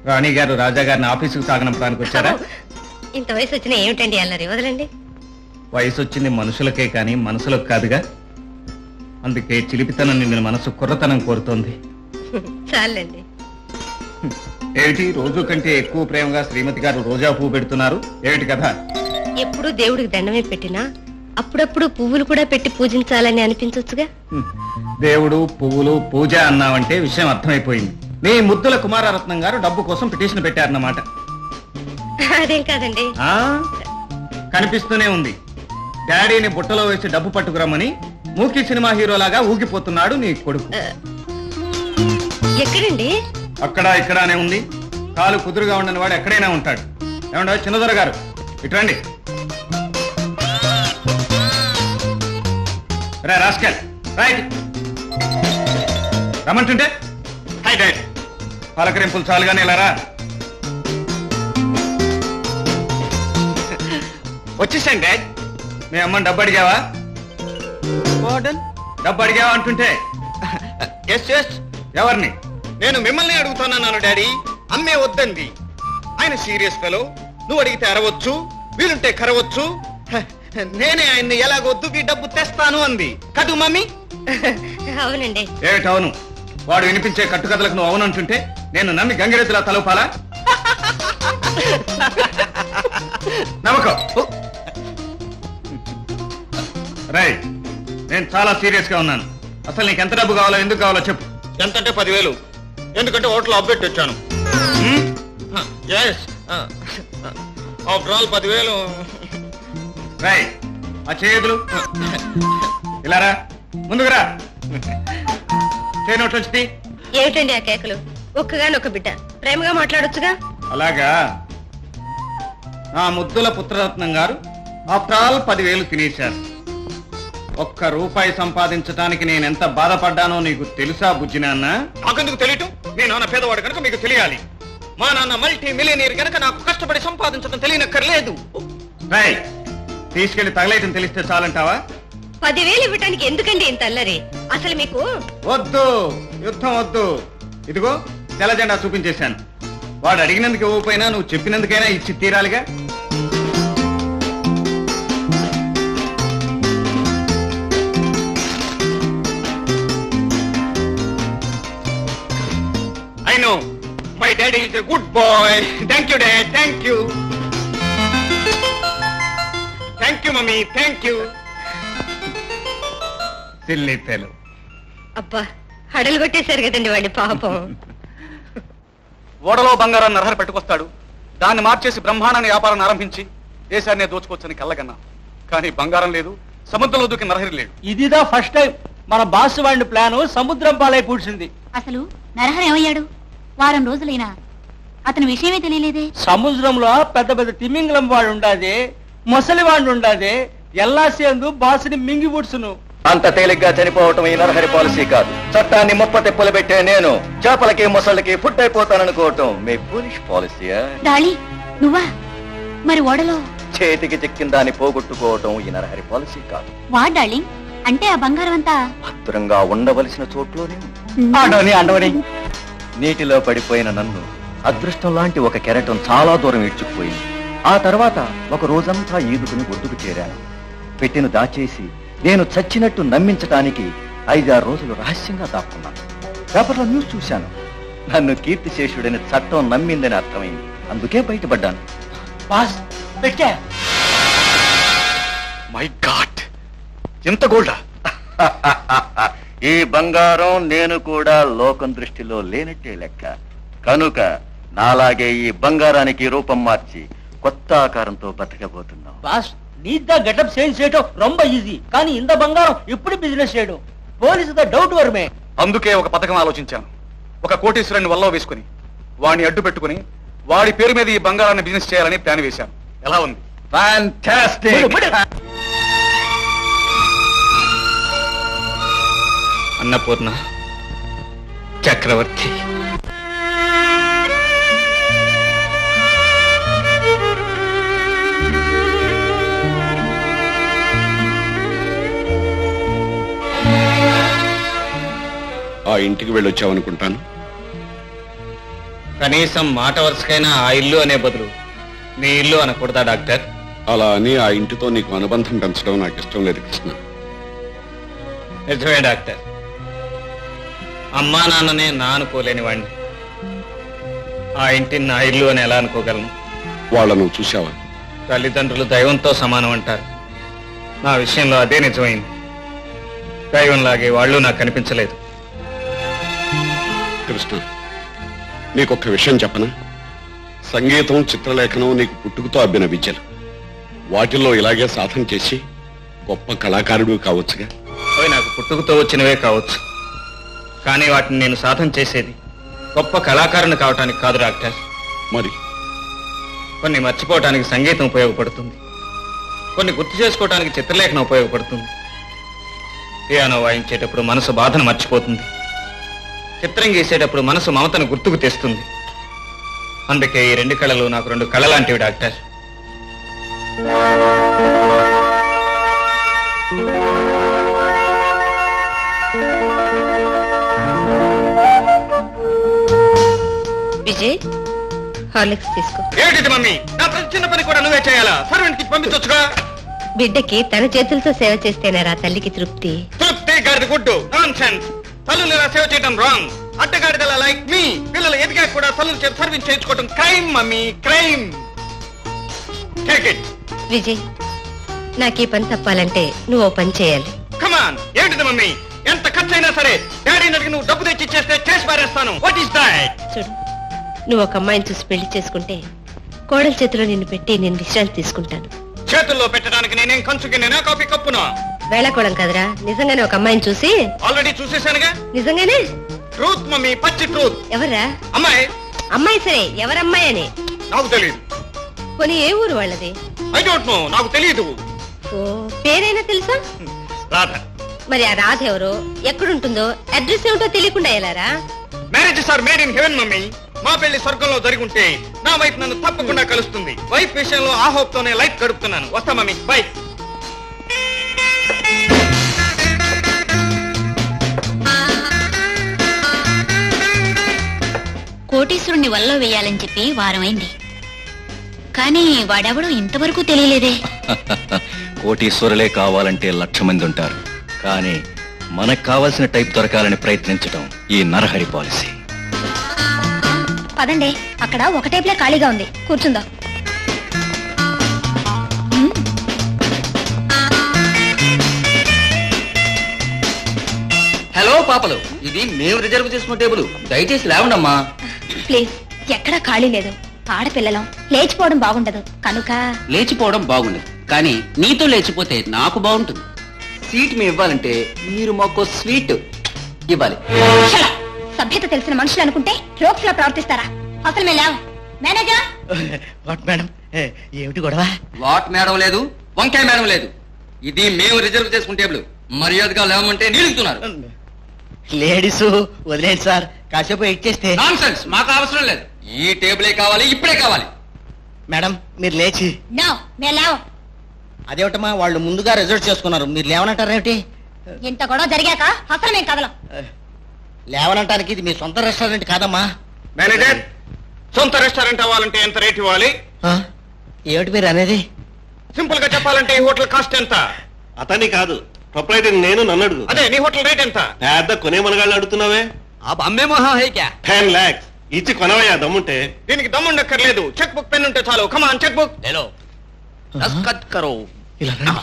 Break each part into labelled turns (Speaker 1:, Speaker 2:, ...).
Speaker 1: రాణి గారు రాజా గారిని ఆఫీసుకు సాగనంపడానికి వచ్చారా?
Speaker 2: ఇంత వయసు వచ్చినా ఏమిటండి అల్లరి, వదలండి.
Speaker 1: వయసు వచ్చింది మనుషులకే కానీ మనసులకు కాదుగా. అందుకే చిలిపితనం నిన్న మనసు కుర్రతనం కోరుతోంది.
Speaker 2: చాలండి.
Speaker 1: ఏమిటి రోజు కంటే ఎక్కువ ప్రేమగా శ్రీమతి గారు రోజా పువ్వు పెడుతున్నారు? ఏమిటి కదా?
Speaker 2: ఎప్పుడు దేవుడికి దండమే పెట్టినా అప్పుడప్పుడు పువ్వులు కూడా పెట్టి పూజించాలని అనిపించొచ్చుగా.
Speaker 1: దేవుడు పువ్వులు పూజ అన్నావంటే విషయం అర్థమైపోయింది. నీ ముద్దుల కుమారరత్నం గారు డబ్బు కోసం పిటిషన్ పెట్టారన్నమాట.
Speaker 2: అదేం కాదండి.
Speaker 1: కనిపిస్తూనే ఉంది. డాడీని బుట్టలో వేసి డబ్బు పట్టుకురమ్మని మూకీ సినిమా హీరోలాగా ఊగిపోతున్నాడు నీ కొడుకు.
Speaker 2: ఎక్కడండి?
Speaker 1: అక్కడ ఇక్కడనే ఉంది. కాలు కుదురుగా ఉండని వాడు ఎక్కడైనా ఉంటాడు. ఏమండ చిన్నదొర గారు, ఇట్రండి. రాస్కెల్, రైట్ రమ్మంటుంటే హై డాడ్. పలకరింపులు చాలుగానే ఇలారా. వచ్చేసాను డాడ్. మీ అమ్మని డబ్బు అడిగావా? డబ్బు అడిగావా అంటుంటే ఎస్ ఎస్. ఎవరిని?
Speaker 3: నేను మిమ్మల్ని అడుగుతానన్నాను డాడీ. అమ్మే వద్దంది. ఆయన సీరియస్ ఫెలో. నువ్వు అడిగితే అరవచ్చు, వీలుంటే కరవచ్చు. నేనే ఆయన్ని ఎలాగొద్దు ఈ డబ్బు తెస్తాను అంది. కదు మమ్మీ?
Speaker 2: అవునండి.
Speaker 1: ఏమిటవును? వాడు వినిపించే కట్టుకథలకు నువ్వు అవునంటుంటే నేను నమ్మి గంగిరెద్దులా తలపాలా? నమ్మకం. రైట్, నేను చాలా సీరియస్ గా ఉన్నాను. అసలు నీకు ఎంత డబ్బు కావాలో, ఎందుకు కావాలో చెప్పు.
Speaker 3: ఎంతంటే 10,000. ఎందుకంటే హోటల్ అప్డేట్ వచ్చాను. After all 10,000.
Speaker 1: రైట్, ఆ చేతులు ఇలారా, ముందుకురా. చేయనోట్లు వచ్చి.
Speaker 2: ఏమిటండి ఆ కేకలు? ఒక్కగానొక్క బిడ్డ, ప్రేమగా మాట్లాడొచ్చుగా.
Speaker 1: అలాగా? నా ముద్దుల పుత్రరత్నం గారు ఆఫ్టర్ ఆల్ 10,000 తినేశారు. ₹1 సంపాదించడానికి నేనెంత బాధపడ్డానో నీకు తెలుసా బుజ్జి నాన్న?
Speaker 3: నాకెందుకు తెలియటం? మీ నాన్న పేదవాడు కనుక మీకు తెలియాలి. మా నాన్న మల్టీ మిలియనీర్ కనుక నాకు కష్టపడి సంపాదించడం తెలియనక్కర్లేదు.
Speaker 1: రైట్, తీసుకెళ్లి తగలేయటం తెలిస్తే చాలంటావా?
Speaker 2: 10,000 ఇవ్వటానికి ఎందుకండి ఇంత అల్లరి? అసలు మీకు
Speaker 1: వద్దు, యుద్ధం వద్దు. ఇదిగో తెల్ల జెండా చూపించేశాను. వాడు అడిగినందుకు ఇవ్వకపోయినా నువ్వు చెప్పినందుకైనా ఇచ్చి తీరాలిగా.
Speaker 3: I know. My daddy is a good boy. Thank you, Dad. Thank you. Thank you, Mummy. Thank you.
Speaker 1: Silly fellow.
Speaker 2: అబ్బా, హడలు కొట్టేశారు కదండి వాడి పాపం.
Speaker 4: ఓడలో బంగారాన్ని నరహరి పెట్టుకొస్తాడు. దాన్ని మార్చేసి బ్రహ్మాండాన్ని వ్యాపారాన్ని ఆరంభించి దేశాన్నే దోచుకోవచ్చని కళ్ళగన్నా. కానీ బంగారం లేదు, సముద్రంలో దూకి నరహరి లేడు.
Speaker 5: ఇదిదా ఫస్ట్ టైం మన బాస్ వాడిని ప్లాను సముద్రం పాలై పూడ్చింది.
Speaker 6: అసలు నరహరి ఏమయ్యాడు? వారం రోజులైనా అతని విషయమే తెలియలేదే.
Speaker 5: సముద్రంలో పెద్ద పెద్ద తిమింగలం వాడు ఉండాది, మొసలి వాడు ఉండాది. ఎల్లాసేందు బాసుని మింగి పుడుచును.
Speaker 7: అంత తేలిగ్గా చనిపోవటం ఈ నరహరి పాలసీ కాదు. చట్టాన్ని ముప్పతిప్పులు పెట్టే నేను చేపలకి మొసళ్ళకి ఫుడ్ అయిపోతాననుకోవటం మీ పోలీష్ పాలసీయా?
Speaker 6: డాళీ, నువ్వా? మరి ఓడలో
Speaker 7: చేతికి చిక్కిన దాన్ని పోగొట్టుకోవటం ఈ నరహరి పాలసీ కాదు.
Speaker 6: వా డార్లింగ్, అంటే ఆ బంగారం అంతా
Speaker 7: భద్రంగా ఉండవలసిన చోట్లోనే
Speaker 5: అండవని
Speaker 7: నీటిలో పడిపోయిన నన్ను అదృష్టం లాంటి ఒక కెరటం చాలా దూరం ఈడ్చుకుపోయింది. ఆ తర్వాత ఒక రోజంతా ఈదుకుని ఒడ్డుకు చేరాను. పెట్టెను దాచేసి నేను చచ్చినట్టు నమ్మించటానికి 5-6 రోజులు రహస్యంగా దాక్కున్నాను. పేపర్లో న్యూస్ చూశాను. నన్ను కీర్తిశేషుడని చట్టం నమ్మిందని అర్థమైంది. అందుకే బయటపడ్డాను.
Speaker 5: బాస్ పెట్టా.
Speaker 4: మై గాడ్, ఎంత గోల్డా!
Speaker 7: ఈ బంగారం నేను కూడా లోకం దృష్టిలో లేనట్టే లెక్క. కనుక నాలాగే ఈ బంగారానికి రూపం మార్చి కొత్త ఆకారంతో బతకబోతున్నాం.
Speaker 5: బాస్, నీదా గెటప్ చేంజ్ చేయటం రొంబ ఈజీ. కానీ ఇంత బంగారం ఎప్పుడు బిజినెస్ చేయడం పోలీసు డౌట్ వరమే.
Speaker 4: అందుకే ఒక పథకం ఆలోచించాను. ఒక కోటీశ్వరుని వల్ల వేసుకుని వాడిని అడ్డు పెట్టుకుని వాడి పేరు మీద ఈ బంగారాన్ని బిజినెస్ చేయాలని ప్లాన్ వేశాను. ఎలా ఉంది?
Speaker 7: ఫ్యాంటాస్టిక్.
Speaker 1: అన్నపూర్ణ, చక్రవర్తి.
Speaker 8: ఆ ఇంటికి వెళ్ళొచ్చావనుకుంటాను.
Speaker 1: కనీసం మాట వరుసకైనా ఆ ఇల్లు అనే బదులు నీ ఇల్లు అనకూడదా డాక్టర్?
Speaker 8: అలా అని ఆ ఇంటితో నీకు అనుబంధం పెంచడం నాకు ఇష్టం లేదు కృష్ణ.
Speaker 1: నిజమే డాక్టర్, అమ్మా నాన్ననే నా అనుకోలేని వాడిని ఆ ఇంటిని నా ఇల్లు అని ఎలా అనుకోగలను?
Speaker 8: వాళ్ళను చూసావా?
Speaker 1: తల్లిదండ్రులు దైవంతో సమానం అంటారు. నా విషయంలో అదే నిజమైంది. దైవంలాగే వాళ్ళు నాకు కనిపించలేదు.
Speaker 8: కృష్ణ, నీకొక్క విషయం చెప్పనా? సంగీతం, చిత్రలేఖనం నీకు పుట్టుకతో అబ్బిన విద్యలు. వాటిల్లో ఇలాగే సాధన చేసి గొప్ప కళాకారుడు కావచ్చుగా.
Speaker 1: అవి నాకు పుట్టుకతో వచ్చినవే కావచ్చు, కానీ వాటిని నేను సాధన చేసేది గొప్ప కళాకారుని కావటానికి కాదు డాక్టర్.
Speaker 8: మరి
Speaker 1: కొన్ని మర్చిపోవటానికి సంగీతం ఉపయోగపడుతుంది, కొన్ని గుర్తు చేసుకోవటానికి చిత్రలేఖనం ఉపయోగపడుతుంది. పియానో వాయించేటప్పుడు మనసు బాధను మర్చిపోతుంది, చిత్రం గీసేటప్పుడు మనసు మమతను గుర్తుకు తెస్తుంది. అందుకే ఈ రెండు కళలు నాకు రెండు కళ లాంటివి డాక్టర్.
Speaker 2: విజయ్, హార్లిక్స్ తీసుకో.
Speaker 1: ఏమిటి మమ్మీ, నా ప్రతి చిన్న పని కూడా నువ్వే చేయాలా? సర్వెంట్ కి పంపించొచ్చుగా.
Speaker 2: బిడ్డకి తన చేతులతో సేవ చేస్తేనేరా తల్లికి తృప్తి.
Speaker 1: తృప్తి గారిది గుడ్డు నాన్ సెన్స్. తల్లులు ఇలా సేవ చేయడం రాంగ్. అడ్డగాడిదలా లైక్ మీ పిల్లలు ఎదిగా కూడా తల్లులు చేతి సర్వీస్ చేయించుకోవడం crime mummy, crime. Take it.
Speaker 2: Vijay, నాకు ఈ పని తప్పాలంటే నువ్వు ఓ పని చేయాలి.
Speaker 1: కమాన్. ఏంటిది మమ్మీ? ఎంత ఖర్చు అయినా సరే డాడీని అడిగి నువ్వు డబ్బు తెచ్చి ఇచ్చేస్తే చేసి పారేస్తాను. What is that?
Speaker 2: చూడు, నువ్వు ఒక అమ్మాయిని చూసి పెళ్లి చేసుకుంటే కోడల చేతిలో నిన్ను పెట్టి నేను విశ్రాంతి తీసుకుంటాను.
Speaker 1: చేతుల్లో పెట్టడానికి నేనేం కంచుకి నేనా కాఫీ కప్పునా?
Speaker 2: వేళకోవడం కదరా, నిజంగానే ఒక అమ్మాయిని చూసి.
Speaker 1: ఆల్రెడీ చూసేశానుగా.
Speaker 2: నిజంగానే?
Speaker 1: ట్రూత్ మమ్మీ, పచ్చి ట్రూత్.
Speaker 2: ఎవరా
Speaker 1: అమ్మాయి?
Speaker 2: అమ్మాయి సరే, ఎవరమ్మాయి అని?
Speaker 1: నాకు తెలియదు.
Speaker 2: కొని ఏ ఊరు వాళ్ళది?
Speaker 1: ఐ డోంట్ నో, నాకు తెలియదు.
Speaker 2: ఓ, పేరైనా తెలుసా?
Speaker 1: రాధ.
Speaker 2: మరి ఆ రాధ ఎవరో, ఎక్కడుంటుందో, అడ్రస్ ఏమిటో తెలియకుండా ఎలారా?
Speaker 1: Marriages are made in heaven mummy. మా పెళ్లి స్వర్గంలో జరిగి ఉంటే నా వైఫ్ నన్ను తప్పకుండా కలుస్తుంది. వైఫ్ విషయంలో ఆ హోప్ తోనే లైఫ్ గడుపుతున్నాను. వస్తా మమ్మీ, బై.
Speaker 6: కోటీశ్వరుణ్ణి వల్ల వేయాలని చెప్పి వారమైంది, కానీ వాడెవడో ఇంతవరకు తెలియలేదే.
Speaker 7: కోటీశ్వరులే కావాలంటే 1,00,000 మంది ఉంటారు, కానీ మనకు కావాల్సిన టైప్ దొరకాలని ప్రయత్నించడం ఈ నరహరి పాలసీ.
Speaker 6: పదండి, అక్కడ ఒక టైప్లే ఖాళీగా ఉంది, కూర్చుందాం.
Speaker 5: హలో పాపలు, ఇది మేము రిజర్వ్ చేసుకున్న టేబుల్, దయచేసి లేవండమ్మా.
Speaker 6: ప్లీజ్, ఎక్కడా ఖాళీ లేదు. ఆడపిల్లలం లేచిపోవడం బాగుండదు కనుక.
Speaker 5: లేచిపోవడం బాగుండదు, కానీ నీతో లేచిపోతే నాకు బాగుంటుంది. సీట్ మీ ఇవ్వాలంటే మీరు మాకు స్వీట్ ఇవ్వాలి.
Speaker 6: Shut up. సభ్యత తెలిసిన మనుషులు అనుకుంటే రోక్స్ లా ప్రవర్తిస్తారా? అసలు మేము లేవు. మేనేజర్,
Speaker 5: వాట్ మేడం, ఏమిటి గొడవ? వాట్ మేడం లేదు, వంకాయ మేడం లేదు. ఇది మేము రిజర్వ్ చేసుకున్న టేబుల్. మర్యాదగా లేవమంటే నిలుగుతున్నారు. లేడీస్ వదిలేండి సార్, కాసేపు వెయిట్ చేస్తే. నాన్సెన్స్, మాకు అవసరం లేదు. ఈ టేబులే కావాలి, ఇప్పుడే కావాలి. మేడం మీరు లేచి.
Speaker 6: నో, మేము లేవు.
Speaker 5: అదేమిటమ్మా, వాళ్ళు ముందుగా రిజర్వ్ చేసుకున్నారు, మీరు లేవనంటారేమిటి?
Speaker 6: ఇంత గొడవ జరిగాక అసలు మేము కదలం.
Speaker 5: లేవనంటానికి ఇది మీ సొంత రెస్టారెంట్ కాదమ్మా.
Speaker 1: మేనేజర్, సొంత రెస్టారెంట్ అవ్వాలంటే ఎంత రేట్ ఇవ్వాలి?
Speaker 5: ఏమిటి మీరు అనేది?
Speaker 1: సింపుల్ గా చెప్పాలంటే ఈ హోటల్ కాస్ట్ ఎంత?
Speaker 8: అతని కాదు, ప్రొపరైటర్ నేను, నన్ను అడుగు.
Speaker 1: అదే నీ హోటల్ రేట్ ఎంత?
Speaker 8: పెద్ద కొనే మనగాళ్ళు అడుగుతున్నావే.
Speaker 5: आप हमें वहाँ है क्या?
Speaker 8: 10 lakhs ఇచ్చి కొనవయ్యా దమ్ముంటే.
Speaker 1: దీనికి దమ్ముండక్కర్లేదు, చెక్ బుక్ పెన్ ఉంటే చాలు. Come on, cheque book.
Speaker 5: ले लो, दस्तखत करो. ఇలా రండి.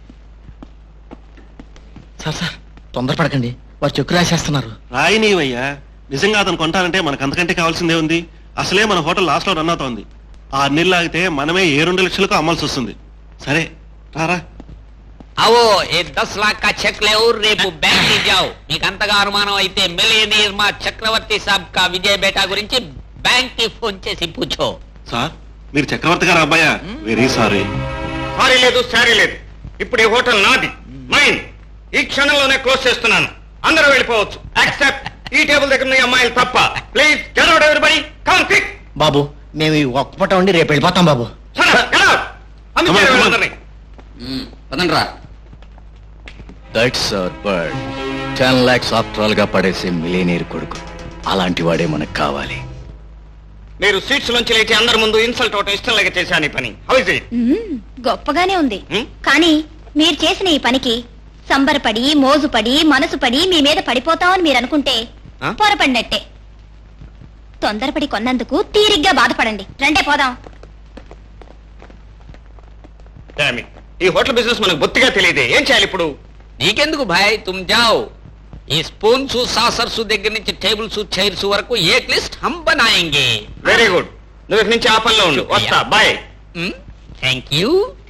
Speaker 5: సార్ సార్, తొందరపడకండి, వారు చెక్కు రాసేస్తున్నారు.
Speaker 8: రాయినీవయ్యా, నిజంగా అతను కొంటానంటే మనకు అంతకంటే కావాల్సిందే ఉంది. అసలే మన హోటల్ లాస్ట్ లో రన్ అవుతోంది. 6 నెలలు ఆగితే మనమే 2 లక్షలకు అమ్మాల్సి వస్తుంది. సరే రారా.
Speaker 9: అవో ఏ 10 लाख का చెక్ లేవు, రేపు బ్యాంక్ కి జావు. మీకు అంతగా అనుమానం అయితే మిలియనీర్ మా చక్రవర్తి సాబ్ కా విజయ్ బేటా గురించి బ్యాంక్ కి ఫోన్ చేసి పూछो.
Speaker 8: సార్ మీరు చక్రవర్తి గారు అబ్బాయా? Very sorry.
Speaker 1: సారీ లేదు, సారీ లేదు. ఇప్పుడు ఈ హోటల్ నాది, మైన్. ఈ క్షణంలోనే క్లోజ్ చేస్తున్నాను. అందరూ వెళ్ళిపోవచ్చు, యాక్సెప్ట్ ఈ టేబుల్ దగ్గర ఉన్న అమ్మాయిలు తప్ప. Please get out everybody, come quick.
Speaker 5: బాబు, మేము ఈ ఒక్క పూట ఉండి రేపు వెళ్ళిపోతాం బాబు.
Speaker 1: పదండి రా.
Speaker 7: That's our bird. 10 lakhs after all గా పడేసే మిలియనీర్ కొడుకు. అలాంటి వాడే మనకు కావాలి.
Speaker 3: మీరు సీట్స్ నుంచి లేచి అందరి ముందు ఇన్సల్ట్ అవటం ఇష్టం లేక చేశాను ఈ పని. How is it?
Speaker 6: గొప్పగానే ఉంది
Speaker 3: మ్మ్.
Speaker 6: కానీ మీరు చేసిన ఈ పనికి సంబరపడి మోజుపడి మనసు పడి మీ మీద పడిపోతామని మీరు అనుకుంటే
Speaker 3: ఆ?
Speaker 6: పొరపడినట్టే. తొందరపడి కొన్నందుకు తీరిగ్గా బాధపడండి. రండే పోదాం.
Speaker 3: Damn it. ఈ హోటల్ బిజినెస్ మనకు బొత్తిగా తెలియదే. ఏం చేయాలి ఇప్పుడు?
Speaker 9: నీకెందుకు భాయ్ తుమ్ జాओ. ఈ స్పూన్స్ సాసర్స్ దగ్గర నుంచి టేబుల్స్ చైర్స్ వరకు ఏక్ లిస్ట్ హమ్ బనాయేంగే.
Speaker 3: Very good. నువ్వు ఇక్కడి నుంచి ఆ పనిలో ఉండు. వస్తా. బాయ్.
Speaker 9: Thank you.